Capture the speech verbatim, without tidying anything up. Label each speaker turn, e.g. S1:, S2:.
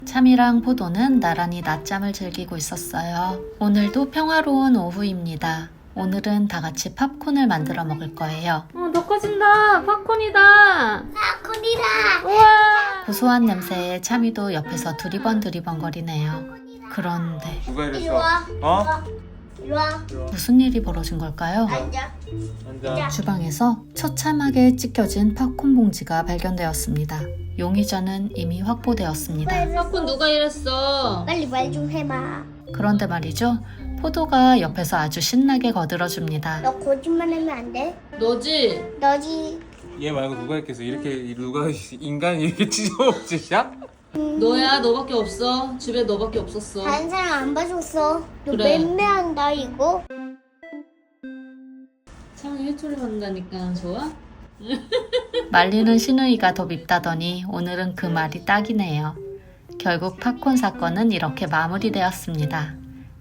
S1: 참이랑 포도는 나란히 낮잠을 즐기고 있었어요. 오늘도 평화로운 오후입니다. 오늘은 다 같이 팝콘을 만들어 먹을 거예요. 어, 너 커진다. 팝콘이다.
S2: 팝콘이다.
S1: 우와. 고소한 냄새에 참이도 옆에서 두리번 두리번 거리네요. 그런데
S3: 누가
S2: 이리
S3: 이랬어?
S2: 와.
S3: 어?
S2: 이리 와.
S1: 무슨 일이 벌어진 걸까요?
S2: 앉아.
S3: 앉아.
S1: 주방에서 처참하게 찢겨진 팝콘 봉지가 발견되었습니다. 용의자는 이미 확보되었습니다.
S4: 팝콘 누가 이랬어?
S2: 빨리 말 좀 해봐.
S1: 그런데 말이죠. 포도가 옆에서 아주 신나게 거들어줍니다.
S2: 너 거짓말하면 안 돼.
S4: 너지?
S2: 너지.
S3: 얘 말고 누가 했겠어? 이렇게 누가 인간이 이렇게 찢어먹지야?
S4: 너야, 너밖에 없어. 집에 너밖에 없었어.
S2: 다른 사람 안 봐줬어. 너
S4: 그래.
S2: 맴매한다 이거.
S4: 창이 회초리 받는다니까 좋아?
S1: 말리는 신우이가 더 밉다더니 오늘은 그 말이 딱이네요. 결국 팝콘 사건은 이렇게 마무리되었습니다.